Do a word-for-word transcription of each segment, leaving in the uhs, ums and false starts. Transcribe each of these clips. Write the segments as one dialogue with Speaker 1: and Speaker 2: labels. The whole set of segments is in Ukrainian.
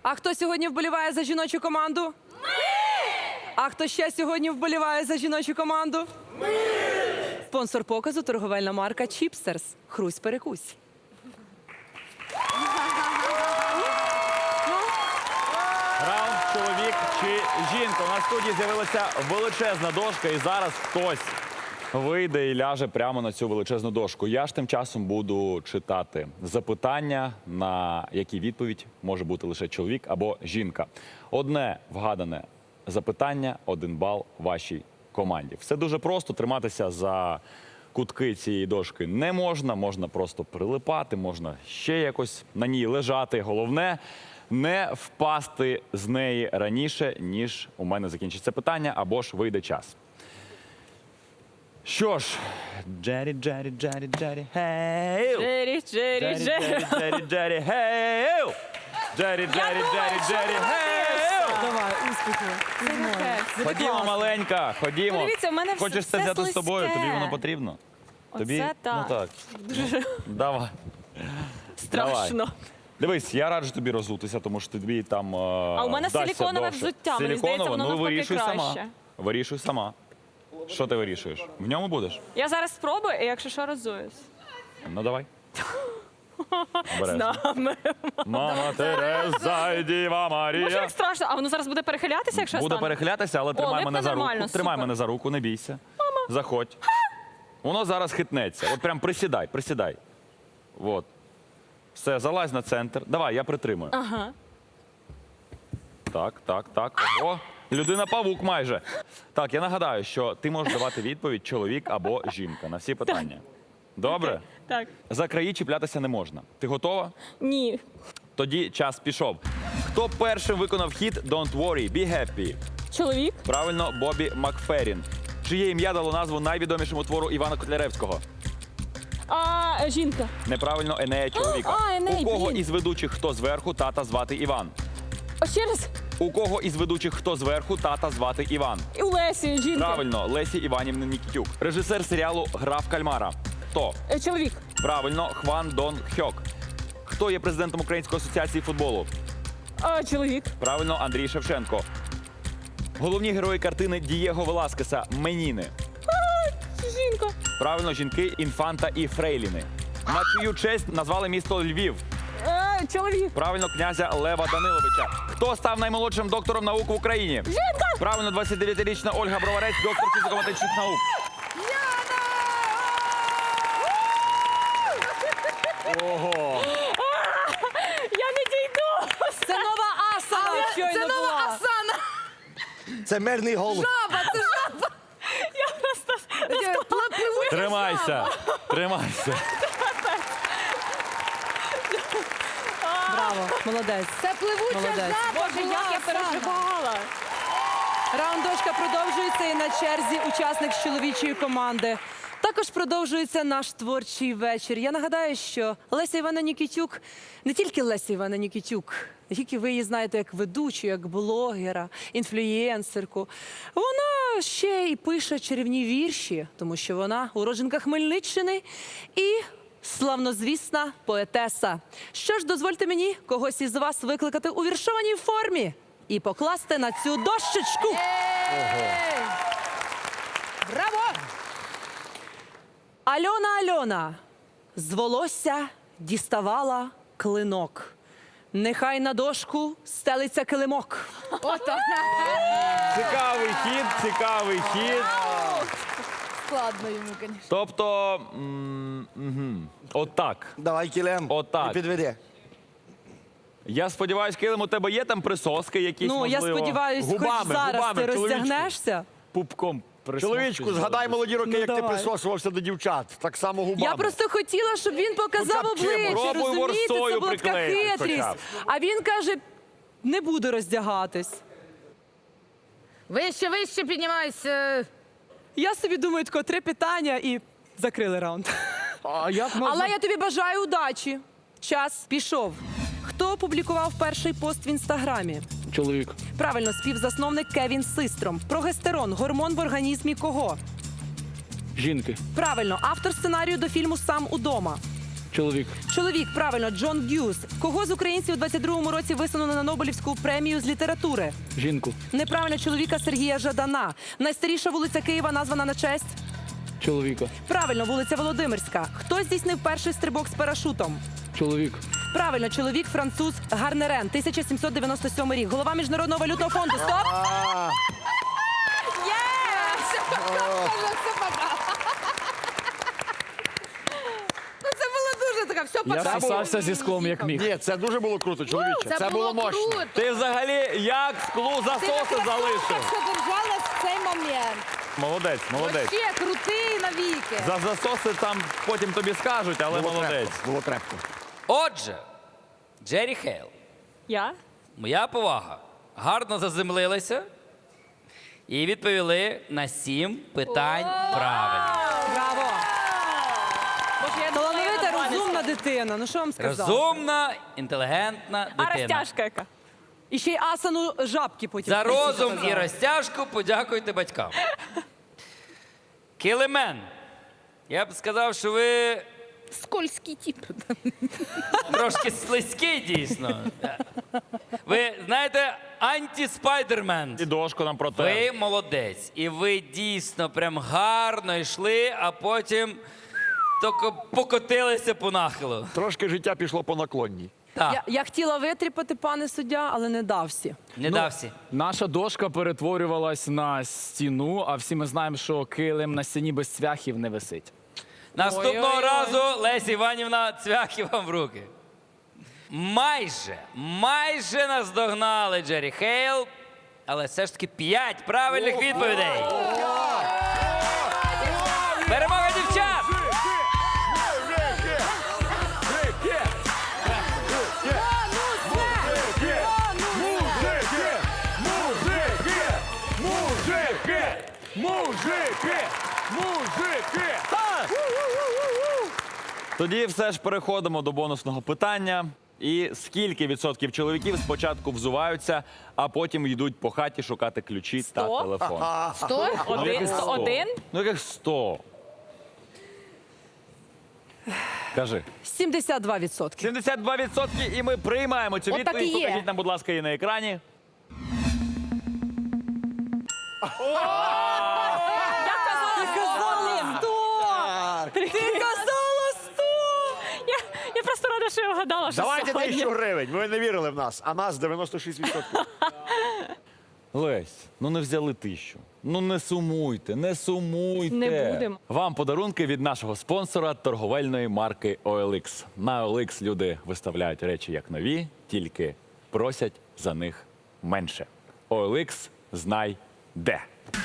Speaker 1: А хто сьогодні вболіває за жіночу команду? Ми! А хто ще сьогодні вболіває за жіночу команду? Ми! Спонсор показу – торговельна марка Чіпстерс. Хрусь-перекусь.
Speaker 2: Раунд чоловік чи жінка. У нас в студії з'явилася величезна дошка, і зараз хтось вийде і ляже прямо на цю величезну дошку. Я ж тим часом буду читати запитання, на які відповідь може бути лише чоловік або жінка. Одне вгадане запитання, один бал вашій команді. Все дуже просто, триматися за кутки цієї дошки не можна, можна просто прилипати, можна ще якось на ній лежати. Головне – не впасти з неї раніше, ніж у мене закінчиться питання, або ж вийде час. Що ж, Джері, Джері, Джері, Джері, гей!
Speaker 3: Джері, Джері, Джері.
Speaker 2: Джері, Джері, гей! Джері, Джері, Джері, Джері, гей!
Speaker 1: Давай, успіху.
Speaker 2: Ходімо, маленька, ходімо.
Speaker 3: Подивіться, у мене все-
Speaker 2: Хочеш це
Speaker 3: все
Speaker 2: взяти з собою,
Speaker 3: слизьке.
Speaker 2: тобі воно потрібно? Тобі?
Speaker 3: Оце так.
Speaker 2: Ну так. Давай.
Speaker 3: Страшно.
Speaker 2: Дивись, я раджу тобі розутися, тому що тобі там
Speaker 3: А у мене силіконове взуття, мені здається, воно
Speaker 2: ну
Speaker 3: навпаки
Speaker 2: вирішуй сама.
Speaker 3: краще.
Speaker 2: Вирішуй сама. Що ти вирішуєш? В ньому будеш?
Speaker 3: Я зараз спробую, і якщо що, розуюсь.
Speaker 2: Ну давай.
Speaker 3: З
Speaker 2: Обережно.
Speaker 3: нами.
Speaker 2: Мама Тереза і Діва
Speaker 3: Може,
Speaker 2: Марія.
Speaker 3: як страшно, а воно зараз буде перехилятися, якщо я
Speaker 2: Буде
Speaker 3: стану?
Speaker 2: перехилятися, але тримай
Speaker 3: липне
Speaker 2: мене за руку.
Speaker 3: нормально,
Speaker 2: Тримай
Speaker 3: супер.
Speaker 2: мене за руку, не бійся. Заходь. Воно зараз хитнеться. От прям присідай, присідай. От. Все, залазь на центр. Давай, я притримую.
Speaker 3: Ага.
Speaker 2: Так, так, так. Ого. Людина-павук майже. Так, я нагадаю, що ти можеш давати відповідь чоловік або жінка на всі питання. Добре?
Speaker 3: Так.
Speaker 2: За краї чіплятися не можна. Ти готова?
Speaker 3: Ні.
Speaker 2: Тоді час пішов. Хто першим виконав хіт «Don't worry, be happy»?
Speaker 3: Чоловік?
Speaker 2: Правильно, Бобі Макферрін. Чиє ім'я дало назву найвідомішому твору Івана Котляревського?
Speaker 3: А, жінка.
Speaker 2: Неправильно, Енея чоловіка.
Speaker 3: А, Еней,
Speaker 2: У кого
Speaker 3: блін.
Speaker 2: із ведучих хто зверху, тата звати Іван?
Speaker 3: А ще раз.
Speaker 2: У кого із ведучих хто зверху, тата звати Іван?
Speaker 3: І у Лесі, жінка.
Speaker 2: Правильно, Лесі Іванівна Нікітюк. Режисер серіалу «Гра в кальмара». Хто?
Speaker 3: Е, Чоловік.
Speaker 2: Правильно, Хван Дон Хьок. Хто є президентом Української асоціації футболу?
Speaker 3: А, чоловік.
Speaker 2: Правильно, Андрій Шевченко. Головні герої картини Дієго Веласкеса «Меніни».
Speaker 3: Жінка.
Speaker 2: Правильно, жінки Інфанта і Фрейліни. На чию честь назвали місто Львів?
Speaker 3: Е, чоловік.
Speaker 2: Правильно, князя Лева Даниловича. Хто став наймолодшим доктором наук в Україні?
Speaker 3: Жінка.
Speaker 2: Правильно, двадцятидев'ятирічна Ольга Броварець, доктор фізико-математичних наук. Ого!
Speaker 3: Я не дійду.
Speaker 1: Це нова асана щойно
Speaker 4: Це нова
Speaker 1: була.
Speaker 4: Асана!
Speaker 5: Це мирний голуб.
Speaker 4: Жаба, це жаба!
Speaker 3: Я просто...
Speaker 4: Пливуча
Speaker 2: Тримайся!
Speaker 4: жаба.
Speaker 2: Тримайся!
Speaker 1: Браво, молодець.
Speaker 4: Це пливуча
Speaker 1: Молодець.
Speaker 4: жаба
Speaker 3: Боже,
Speaker 4: була,
Speaker 3: як я
Speaker 4: Асана.
Speaker 3: переживала.
Speaker 1: Раунд дошка продовжується, і на черзі учасник з чоловічої команди. Також продовжується наш творчий вечір. Я нагадаю, що Леся Івана Нікітюк, не тільки Леся Івана Нікітюк, не тільки ви її знаєте як ведучу, як блогера, інфлюєнсерку. Вона ще й пише чарівні вірші, тому що вона уродженка Хмельниччини і славнозвісна поетеса. Що ж, дозвольте мені когось із вас викликати у віршованій формі і покласти на цю дощечку.
Speaker 4: Браво!
Speaker 1: Альона, Альона, з волосся діставала клинок. Нехай на дошку стелиться килимок.
Speaker 4: Ото.
Speaker 2: Цікавий хід, цікавий хід.
Speaker 4: Складно йому, звісно.
Speaker 2: Тобто, м, мгм. отак.
Speaker 5: Давай кілем.
Speaker 2: Отак.
Speaker 5: І підведи.
Speaker 2: Я сподіваюся, Килим, у тебе є там присоски якісь,
Speaker 1: Ну, я
Speaker 2: можливо?
Speaker 1: сподіваюся, хоч
Speaker 2: Губами,
Speaker 1: зараз
Speaker 2: губами,
Speaker 1: ти
Speaker 2: чоловічку.
Speaker 1: розтягнешся.
Speaker 2: Пупком присмокчись.
Speaker 5: Чоловічку, згадай молоді роки,
Speaker 1: Ну,
Speaker 5: як ти
Speaker 1: давай.
Speaker 5: присосувався до дівчат. Так само губами.
Speaker 1: Я просто хотіла, щоб він показав
Speaker 5: Хоча б чим?
Speaker 1: обличчя,
Speaker 2: Пробуй
Speaker 1: розумієте, це
Speaker 2: ворсою
Speaker 1: була така
Speaker 2: приклеїти хоча
Speaker 1: хитрість.
Speaker 2: б.
Speaker 1: А він каже, не буду роздягатись.
Speaker 4: Вище, вище піднімайся.
Speaker 1: Я собі думаю, тако три питання і закрили раунд.
Speaker 5: А як можна?
Speaker 1: Але я тобі бажаю удачі. Час пішов. Хто опублікував перший пост в інстаграмі?
Speaker 5: Чоловік.
Speaker 1: Правильно, співзасновник Кевін Систром. Прогестерон – гормон в організмі кого?
Speaker 5: Жінки.
Speaker 1: Правильно, автор сценарію до фільму «Сам удома».
Speaker 5: Чоловік.
Speaker 1: Чоловік, правильно, Джон Гюс. Кого з українців у двадцять другому році висунули на Нобелівську премію з літератури?
Speaker 5: Жінку.
Speaker 1: Неправильно, чоловіка Сергія Жадана. Найстаріша вулиця Києва названа на честь?
Speaker 5: Чоловіка.
Speaker 1: Правильно, вулиця Володимирська. Хто здійснив перший стрибок з парашутом?
Speaker 5: Чоловік.
Speaker 1: Правильно, чоловік француз Гарнерен, тисяча сімсот дев'яносто сьомий рік. Голова Міжнародного валютного фонду. Стоп!
Speaker 4: Ну це було дуже така, все
Speaker 5: Я
Speaker 4: пока.
Speaker 5: сосався зі склом, як міг.
Speaker 6: Ні, це дуже було круто, чоловіче.
Speaker 4: Це, було,
Speaker 6: мощно.
Speaker 4: круто.
Speaker 2: Ти взагалі як склу засоси залишив?
Speaker 3: Що держалась в цей момент.
Speaker 2: Молодець, молодець.
Speaker 4: Вообще крутий навіки.
Speaker 2: За засоси там потім тобі скажуть, але
Speaker 6: Було
Speaker 2: молодець.
Speaker 6: крепко, було крепко.
Speaker 7: Отже, Джері Хейл,
Speaker 3: Я?
Speaker 7: моя повага, гарно заземлилися і відповіли на сім питань правильно.
Speaker 1: Браво!
Speaker 3: Боже, я думала, я
Speaker 1: Талановита,
Speaker 3: на два не
Speaker 1: розумна
Speaker 3: скажу.
Speaker 1: дитина. Ну що вам сказати?
Speaker 7: Розумна, інтелігентна
Speaker 3: А
Speaker 7: дитина.
Speaker 3: розтяжка яка?
Speaker 1: І ще й асану жабки потім.
Speaker 7: За
Speaker 1: в кінці
Speaker 7: розум і
Speaker 1: показала.
Speaker 7: розтяжку подякуйте батькам. Кілемен. Я б сказав, що ви
Speaker 4: Скользький тип.
Speaker 7: трошки слизький, дійсно. Ви знаєте, анті-спайдермен.
Speaker 2: І дошку нам про те.
Speaker 7: Ви молодець. І ви дійсно прям гарно йшли, а потім тільки покотилися по нахилу.
Speaker 6: Трошки життя пішло по наклонній.
Speaker 7: Так,
Speaker 1: Я, я хотіла витріпати, пане суддя, але не дався.
Speaker 7: не дався.
Speaker 5: Наша дошка перетворювалась на стіну, а всі ми знаємо, що килим на стіні без цвяхів не висить.
Speaker 7: Наступного разу, Леся Іванівна, цвяхи вам в руки. Майже, майже наздогнали Джері Хейл, але все ж таки п'ять правильних відповідей. Перемога дівчат!
Speaker 2: Тоді все ж переходимо до бонусного питання. І скільки відсотків чоловіків спочатку взуваються, а потім йдуть по хаті шукати ключі та
Speaker 3: Сто?
Speaker 2: телефон?
Speaker 4: Сто?
Speaker 3: Один?
Speaker 2: яких сто?
Speaker 3: Один?
Speaker 2: Ну яких сто? Кажи.
Speaker 1: сімдесят два відсотки.
Speaker 2: сімдесят два відсотки, і ми приймаємо цю
Speaker 4: От так
Speaker 2: відповідь.
Speaker 4: і є.
Speaker 2: Покажіть нам, будь ласка, її на екрані.
Speaker 3: Я казала
Speaker 1: сто! Ти казала сто!
Speaker 3: Я, я просто рада, що я вгадала, що
Speaker 6: Давайте
Speaker 3: сьогодні.
Speaker 6: тисячу гривень. Ви не вірили в нас, а нас дев'яносто шість відсотків.
Speaker 2: Лесь, ну не взяли тисячу. Ну не сумуйте, не сумуйте.
Speaker 3: Не будемо.
Speaker 2: Вам подарунки від нашого спонсора торговельної марки о ел ікс. На о ел ікс люди виставляють речі як нові, тільки просять за них менше. о ел ікс знай де.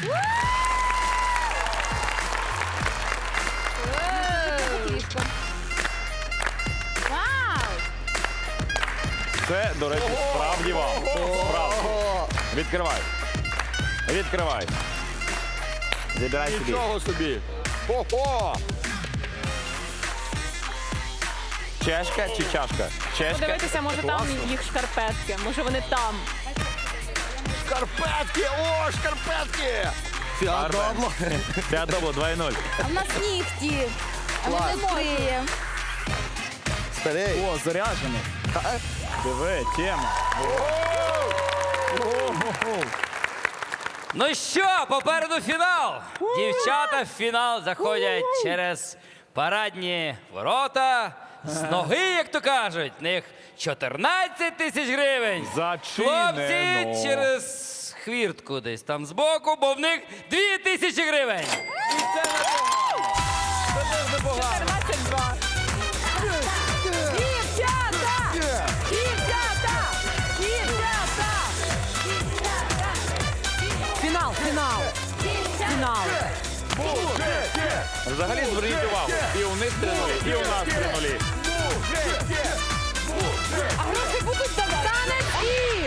Speaker 4: Вау!
Speaker 2: Це, до речі, справді вам. Справді. Відкривай. Відкривай. Забирай собі.
Speaker 6: Нічого собі. Ого!
Speaker 2: Чешка чи чашка? Чешка.
Speaker 3: Подивитися, може там їх шкарпетки, може вони там.
Speaker 6: Шкарпетки! О, шкарпетки! Фіадобло.
Speaker 2: Фіадобло два нуль.
Speaker 4: А в нас нігті. А ми не мокриє.
Speaker 6: Старий.
Speaker 5: О, заряджений.
Speaker 2: Диви, тема.
Speaker 7: Ну що, попереду фінал. Дівчата в фінал заходять через парадні ворота. З ноги, як то кажуть, в них чотирнадцять тисяч гривень.
Speaker 2: Зачинено.
Speaker 7: Хлопці через хвіртку десь там збоку, бо в них дві тисячі гривень.
Speaker 3: чотирнадцять два.
Speaker 1: Дівчата! Дівчата! Дівчата! Фінал, фінал. Фінал.
Speaker 2: Взагалі зверніть увагу. І у них три нулі, і у нас три нулі.
Speaker 1: А гроші будуть за танець і